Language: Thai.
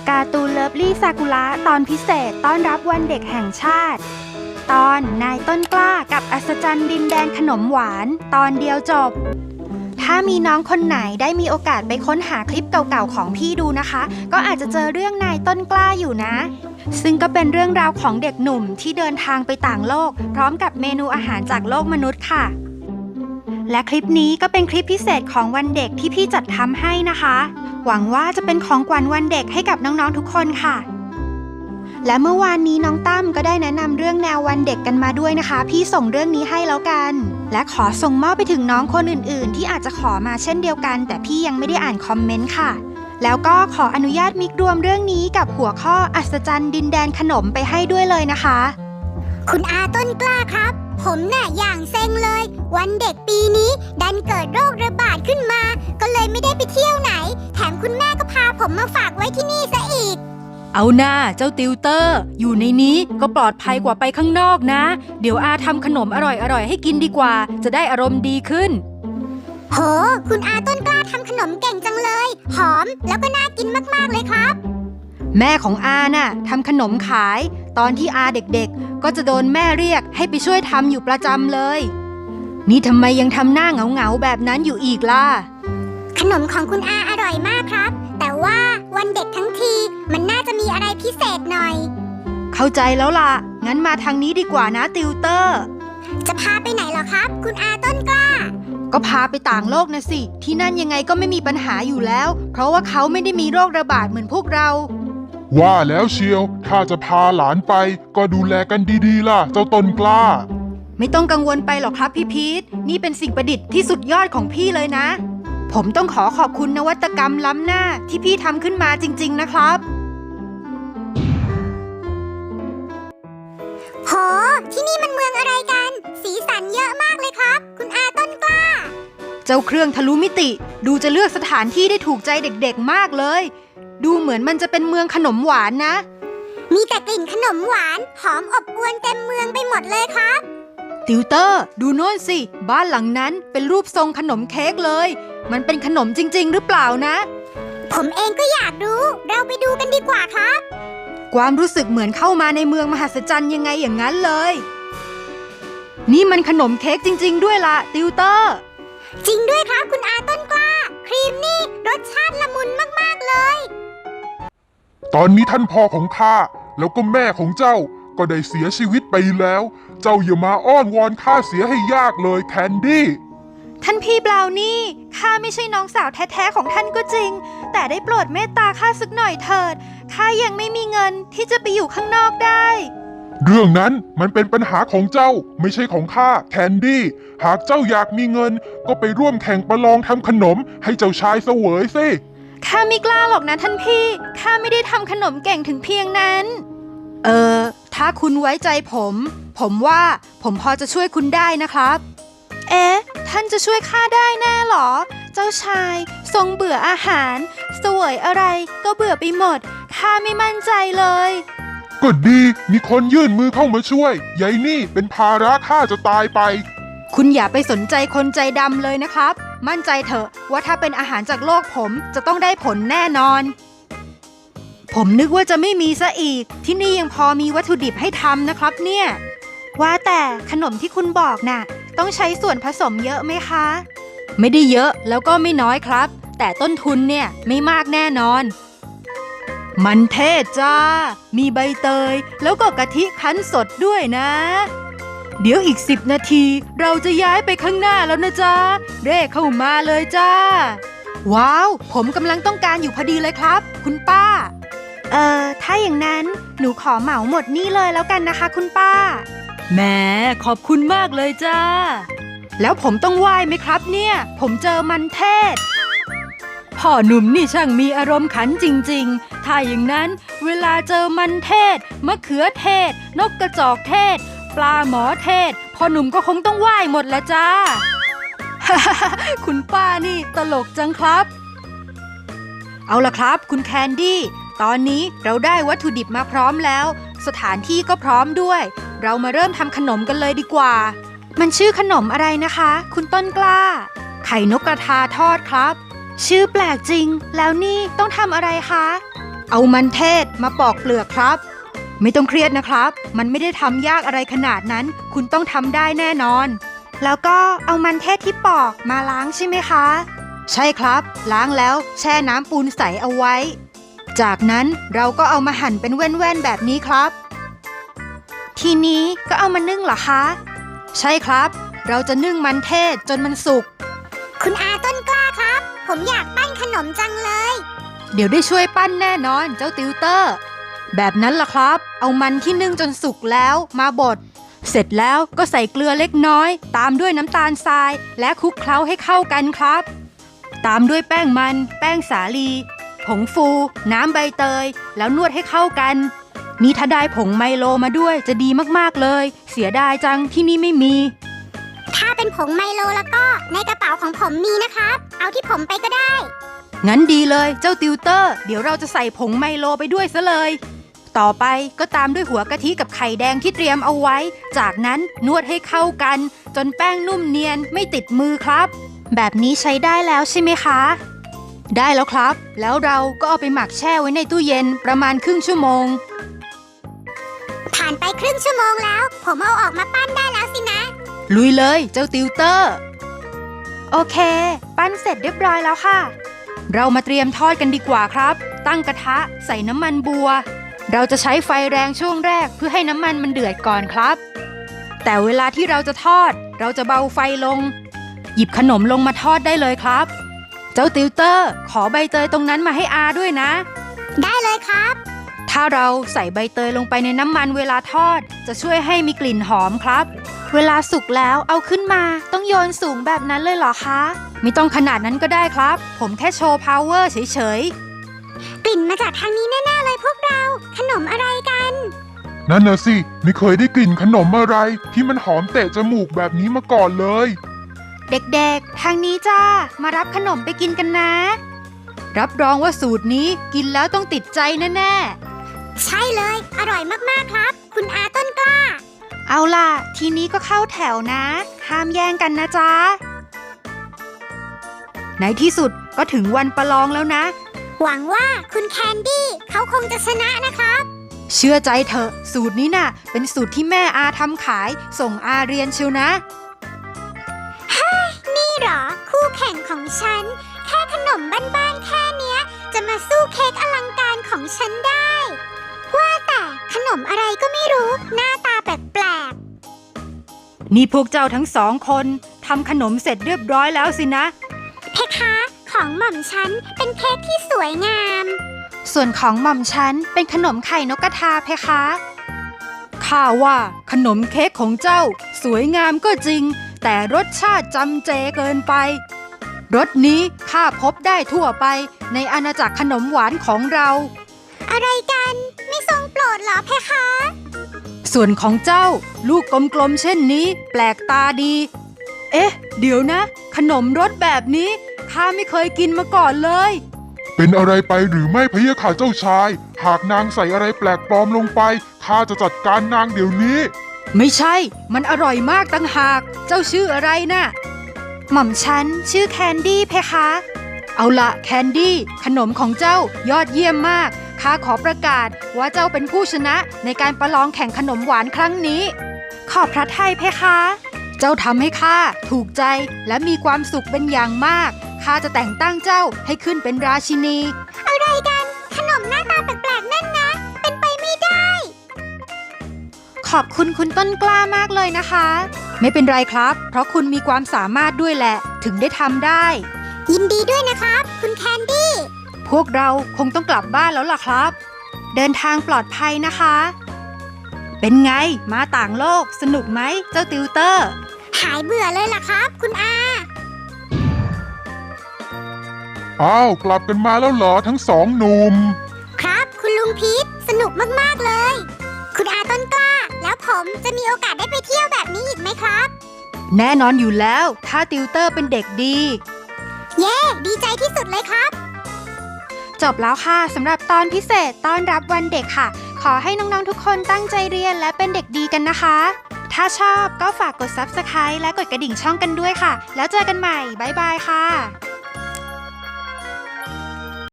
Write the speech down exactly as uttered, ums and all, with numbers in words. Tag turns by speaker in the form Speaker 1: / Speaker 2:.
Speaker 1: การ์ตูนเลิฟลี่ซากุระตอนพิเศษต้อนรับวันเด็กแห่งชาติ ตอนนายต้นกล้ากับอัศจรรย์ดินแดนขนมหวานตอนเดียวจบถ้ามีน้องคนไหนได้มีโอกาสไปค้นหาคลิปเก่าๆของพี่ดูนะคะก็อาจจะเจอเรื่องนายต้นกล้าอยู่นะซึ่งก็เป็นเรื่องราวของเด็กหนุ่มที่เดินทางไปต่างโลกพร้อมกับเมนูอาหารจากโลกมนุษย์ค่ะและคลิปนี้ก็เป็นคลิปพิเศษของวันเด็กที่พี่จัดทำให้นะคะหวังว่าจะเป็นของขวัญวันเด็กให้กับน้องๆทุกคนค่ะและเมื่อวานนี้น้องตั้มก็ได้แนะนำเรื่องแนววันเด็กกันมาด้วยนะคะพี่ส่งเรื่องนี้ให้แล้วกันและขอส่งมอบไปถึงน้องคนอื่นๆที่อาจจะขอมาเช่นเดียวกันแต่พี่ยังไม่ได้อ่านคอมเมนต์ค่ะแล้วก็ขออนุญาตมิกรวมเรื่องนี้กับหัวข้ออัศจรรย์ดินแดนขนมไปให้ด้วยเลยนะคะ
Speaker 2: คุณอาต้นกล้าครับผมน่ะอย่างเซ็งเลยวันเด็กปีนี้ดันเกิดโรคระบาดขึ้นมาก็เลยไม่ได้ไปเที่ยวไหนแถมคุณแม่ก็พาผมมาฝากไว้ที่นี่ซะอีก
Speaker 3: เอาหน้าเจ้าติวเตอร์อยู่ในนี้ก็ปลอดภัยกว่าไปข้างนอกนะเดี๋ยวอาทำขนมอร่อยๆให้กินดีกว่าจะได้อารมณ์ดีขึ้น
Speaker 2: โหคุณอาต้นกล้าทำขนมเก่งจังเลยหอมแล้วก็น่ากินมากๆเลยครับ
Speaker 3: แม่ของอาน่ะทำขนมขายตอนที่อาเด็กๆก็จะโดนแม่เรียกให้ไปช่วยทำอยู่ประจำเลยนี่ทำไมยังทำหน้าเหงาๆแบบนั้นอยู่อีกล่ะ
Speaker 2: ขนมของคุณอาอร่อยมากครับแต่ว่าวันเด็กทั้งทีมันน่าจะมีอะไรพิเศษหน่อย
Speaker 3: เข้าใจแล้วล่ะงั้นมาทางนี้ดีกว่านะติวเตอร์
Speaker 2: จะพาไปไหนเหรอครับคุณอาต้นกล้า
Speaker 3: ก็พาไปต่างโลกนะสิที่นั่นยังไงก็ไม่มีปัญหาอยู่แล้วเพราะว่าเขาไม่ได้มีโรคระบาดเหมือนพวกเรา
Speaker 4: ว่าแล้วเชียวถ้าจะพาหลานไปก็ดูแลกันดีๆล่ะเจ้าต้นกล้า
Speaker 3: ไม่ต้องกังวลไปหรอกครับพี่พีทนี่เป็นสิ่งประดิษฐ์ที่สุดยอดของพี่เลยนะผมต้องขอขอบคุณนวัตกรรมล้ำหน้าที่พี่ทำขึ้นมาจริงๆนะครับ
Speaker 2: โหที่นี่มันเมืองอะไรกันสีสันเยอะมากเลยครับคุณอาต้นกล้า
Speaker 3: เจ้าเครื่องทะลุมิติดูจะเลือกสถานที่ได้ถูกใจเด็กๆมากเลยดูเหมือนมันจะเป็นเมืองขนมหวานนะ
Speaker 2: มีแต่กลิ่นขนมหวานหอมอบอวลเต็มเมืองไปหมดเลยครับ
Speaker 3: ติวเตอร์ดูโน่นสิบ้านหลังนั้นเป็นรูปทรงขนมเค้กเลยมันเป็นขนมจริงๆหรือเปล่านะ
Speaker 2: ผมเองก็อยากรู้เราไปดูกันดีกว่าครับ
Speaker 3: ความรู้สึกเหมือนเข้ามาในเมืองมหัศจรรย์ยังไงอย่างนั้นเลยนี่มันขนมเค้กจริงๆด้วยล่ะติวเตอร์
Speaker 2: จริงด้วยครับคุณอาต้นกล้าครีมนี่รสชาติละมุนมากๆเลย
Speaker 4: ตอนนี้ท่านพ่อของข้าแล้วก็แม่ของเจ้าก็ได้เสียชีวิตไปแล้วเจ้าอย่ามาอ้อนวอนข้าเสียให้ยากเลยแคนดี้
Speaker 1: ท่านพี่บราวนี่ข้าไม่ใช่น้องสาวแท้ๆของท่านก็จริงแต่ได้โปรดเมตตาข้าสักหน่อยเถิดข้ายังไม่มีเงินที่จะไปอยู่ข้างนอกได้
Speaker 4: เรื่องนั้นมันเป็นปัญหาของเจ้าไม่ใช่ของข้าแคนดี้หากเจ้าอยากมีเงินก็ไปร่วมแข่งประลองทำขนมให้เจ้าชายเสวยสิ
Speaker 1: ข้าไม่กล้าหรอกนะท่านพี่ข้าไม่ได้ทำขนมเก่งถึงเพียงนั้น
Speaker 3: เออถ้าคุณไว้ใจผมผมว่าผมพอจะช่วยคุณได้นะครับ
Speaker 1: เอ๊ะท่านจะช่วยข้าได้แน่หรอเจ้าชายทรงเบื่ออาหารเสวยอะไรก็เบื่อไปหมดข้าไม่มั่นใจเลย
Speaker 4: ก็ดีมีคนยื่นมือเข้ามาช่วยยายนี่เป็นภาระข้าจะตายไป
Speaker 3: คุณอย่าไปสนใจคนใจดำเลยนะครับมั่นใจเถอะว่าถ้าเป็นอาหารจากโลกผมจะต้องได้ผลแน่นอนผมนึกว่าจะไม่มีซะอีกที่นี่ยังพอมีวัตถุดิบให้ทำนะครับเนี่ย
Speaker 1: ว่าแต่ขนมที่คุณบอกน่ะต้องใช้ส่วนผสมเยอะไหมคะ
Speaker 3: ไม่ได้เยอะแล้วก็ไม่น้อยครับแต่ต้นทุนเนี่ยไม่มากแน่นอนมันเทศจ้ามีใบเตยแล้วก็กะทิคั้นสดด้วยนะเดี๋ยวอีกสิบนาทีเราจะย้ายไปข้างหน้าแล้วนะจ๊ะเร่เข้ามาเลยจ้าว้าวผมกำลังต้องการอยู่พอดีเลยครับคุณป้า
Speaker 1: เอ่อถ้าอย่างนั้นหนูขอเหมาหมดนี่เลยแล้วกันนะคะคุณป้า
Speaker 3: แหมขอบคุณมากเลยจ้าแล้วผมต้องไหว้ไหมครับเนี่ยผมเจอมันเทศพ่อหนุ่มนี่ช่างมีอารมณ์ขันจริงๆถ้าอย่างนั้นเวลาเจอมันเทศมะเขือเทศนกกระจอกเทศปลาหมอเทศพ่อหนุ่มก็คงต้องไหว้หมดแล้วจ้า คุณป้านี่ตลกจังครับเอาล่ะครับคุณแคนดี้ตอนนี้เราได้วัตถุดิบมาพร้อมแล้วสถานที่ก็พร้อมด้วยเรามาเริ่มทำขนมกันเลยดีกว่า
Speaker 1: มันชื่อขนมอะไรนะคะคุณต้นกล้า
Speaker 3: ไข่นกกระทาทอดครับ
Speaker 1: ชื่อแปลกจริงแล้วนี่ต้องทำอะไรคะ
Speaker 3: เอามันเทศมาปอกเปลือกครับ ไม่ต้องเครียดนะครับ มันไม่ได้ทำยากอะไรขนาดนั้น คุณต้องทำได้แน่นอน
Speaker 1: แล้วก็เอามันเทศที่ปอกมาล้างใช่ไหมคะ
Speaker 3: ใช่ครับ ล้างแล้วแช่น้ำปูนใสเอาไว้ จากนั้นเราก็เอามาหั่นเป็นแว่นๆแบบนี้ครับ
Speaker 1: ทีนี้ก็เอามานึ่งเหรอคะ
Speaker 3: ใช่ครับ เราจะนึ่งมันเทศจนมันสุก
Speaker 2: คุณอาต้นกล้าครับ ผมอยากปั้นขนมจังเลย
Speaker 3: เดี๋ยวได้ช่วยปั้นแน่นอนเจ้าติวเตอร์ แบบนั้นล่ะครับ เอามันที่นึ่งจนสุกแล้วมาบด เสร็จแล้วก็ใส่เกลือเล็กน้อย ตามด้วยน้ำตาลทรายและคลุกเคล้าให้เข้ากันครับ ตามด้วยแป้งมัน แป้งสาลี ผงฟู น้ำใบเตย แล้วนวดให้เข้ากัน นี่ถ้าได้ผงไมโลมาด้วยจะดีมากๆเลย เสียดายจังที่นี่ไม่มี
Speaker 2: ถ้าเป็นผงไมโลแล้วก็ในกระเป๋าของผมมีนะครับ เอาที่ผมไปก็ได้
Speaker 3: งั้นดีเลยเจ้าติวเตอร์ เดี๋ยวเราจะใส่ผงไมโลไปด้วยซะเลย ต่อไปก็ตามด้วยหัวกะทิกับไข่แดงที่เตรียมเอาไว้ จากนั้นนวดให้เข้ากัน จนแป้งนุ่มเนียนไม่ติดมือครับ
Speaker 1: แบบนี้ใช้ได้แล้วใช่ไหมคะ
Speaker 3: ได้แล้วครับ แล้วเราก็เอาไปหมักแช่ไว้ในตู้เย็นประมาณครึ่งชั่วโมง
Speaker 2: ผ่านไปครึ่งชั่วโมงแล้ว ผมเอาออกมาปั้นได้แล้วสินะ
Speaker 3: ลุยเลยเจ้าติวเตอร์
Speaker 1: โอเค ปั้นเสร็จเรียบร้อยแล้วค่ะ
Speaker 3: เรามาเตรียมทอดกันดีกว่าครับ ตั้งกระทะใส่น้ำมันบัว เราจะใช้ไฟแรงช่วงแรกเพื่อให้น้ำมันมันเดือดก่อนครับ แต่เวลาที่เราจะทอด เราจะเบาไฟลง หยิบขนมลงมาทอดได้เลยครับ เจ้าติวเตอร์ ขอใบเตยตรงนั้นมาให้อาด้วยนะ
Speaker 2: ได้เลยครับ
Speaker 3: ถ้าเราใส่ใบเตยลงไปในน้ำมันเวลาทอด จะช่วยให้มีกลิ่นหอมครับ
Speaker 1: เวลาสุกแล้วเอาขึ้นมาต้องโยนสูงแบบนั้นเลยเหรอคะ
Speaker 3: ไม่ต้องขนาดนั้นก็ได้ครับ ผมแค่โชว์พาวเวอร์เฉย
Speaker 2: กลิ่นมาจากทางนี้แน่ๆเลยพวกเรา ขนมอะไรกัน
Speaker 4: นั่นน่ะสิไม่เคยได้กลิ่นขนมอะไร ที่มันหอมเตะจมูกแบบนี้มาก่อนเลย
Speaker 1: เด็กๆ ทางนี้จ้า มารับขนมไปกินกันนะ
Speaker 3: ๆ รับรองว่าสูตรนี้กินแล้วต้องติดใจแน่ๆ
Speaker 2: ใช่เลย อร่อยมากๆครับ คุณอาต้นกล้า
Speaker 1: เอาล่ะ ทีนี้ก็เข้าแถวนะ ห้ามแย่งกันนะจ๊ะ
Speaker 3: ในที่สุดก็ถึงวันประลองแล้วนะ
Speaker 2: หวังว่าคุณแคนดี้เขาคงจะชนะนะครับ
Speaker 3: เชื่อใจเถอะสูตรนี้น่ะ เป็นสูตรที่แม่อาทำขายส่งอาเรียนเชียวนะ
Speaker 2: นี่เหรอ คู่แข่งของฉัน แค่ขนมบ้านๆแค่เนี้ย จะมาสู้เค้กอลังการของฉันได้ ว่าแต่ขนมอะไรก็ไม่รู้ หน้าตาแปลก
Speaker 3: นี่พวกเจ้าทั้งสองคนทำขนมเสร็จเรียบร้อยแล้วสินะ
Speaker 2: ๆเพคะ ของหม่อมฉันเป็นเค้กที่สวยงาม
Speaker 1: ส่วนของหม่อมฉันเป็นขนมไข่นกกระทาเพคะ
Speaker 3: ข้าว่าขนมเค้กของเจ้าสวยงามก็จริง แต่รสชาติจำเจเกินไป รสนี้ข้าพบได้ทั่วไปในอาณาจักรขนมหวานของเรา
Speaker 2: อะไรกัน ไม่ทรงโปรดเหรอเพคะ
Speaker 3: ส่วนของเจ้าลูกกลมๆเช่นนี้แปลกตาดี เอ๊ะ เดี๋ยวนะ ขนมรสแบบนี้ข้าไม่เคยกินมาก่อนเลย
Speaker 4: เป็นอะไรไปหรือไม่พะยะค่ะเจ้าชาย หากนางใส่อะไรแปลกปลอมลงไปข้าจะจัดการนางเดี๋ยวนี้
Speaker 3: ไม่ใช่ มันอร่อยมากตั้งหาก เจ้าชื่ออะไรน่ะ
Speaker 1: หม่อมฉันชื่อแคนดี้เพคะ
Speaker 3: เอาละแคนดี้ขนมของเจ้ายอดเยี่ยมมาก ข้าขอประกาศว่าเจ้าเป็นผู้ชนะในการประลองแข่งขนมหวานครั้งนี้
Speaker 1: ขอบพระทัยเพคะ
Speaker 3: เจ้าทำให้ข้าถูกใจและมีความสุขเป็นอย่างมาก ข้าจะแต่งตั้งเจ้าให้ขึ้นเป็นราชินี
Speaker 2: อะไรกัน ขนมหน้าตาแปลกๆนั่นนะ เป็นไปไม่ได้
Speaker 1: ขอบคุณคุณต้นกล้ามากเลยนะคะ
Speaker 3: ไม่เป็นไรครับ เพราะคุณมีความสามารถด้วยแหละ ถึงได้ทำได้
Speaker 2: ยินดีด้วยนะครับ คุณแคนดี้
Speaker 3: พวกเราคงต้องกลับบ้านแล้วล่ะครับ
Speaker 1: เดินทางปลอดภัยนะคะ
Speaker 3: เป็นไงมาต่างโลกสนุกไหมเจ้าติวเตอร์
Speaker 2: หายเบื่อเลยล่ะครับ คุณอา
Speaker 4: อ้าวกลับกันมาแล้วเหรอทั้งสองหนุ่ม
Speaker 2: ครับ คุณลุงพีทสนุกมากๆเลย คุณอาต้นกล้า แล้วผมจะมีโอกาสได้ไปเที่ยวแบบนี้อีกไหมครับ
Speaker 3: แน่นอนอยู่แล้ว ถ้าติวเตอร์เป็นเด็กดี
Speaker 2: เย้ ดีใจที่สุดเลยครับ
Speaker 1: จบแล้วค่ะสำหรับตอนพิเศษต้อนรับวันเด็กค่ะ ขอให้น้องๆทุกคนตั้งใจเรียนและเป็นเด็กดีกันนะคะ ถ้าชอบก็ฝากกด ซับสไครบ์ และกดกระดิ่งช่องกันด้วยค่ะ แล้วเจอกันใหม่ บ๊ายบายค่ะ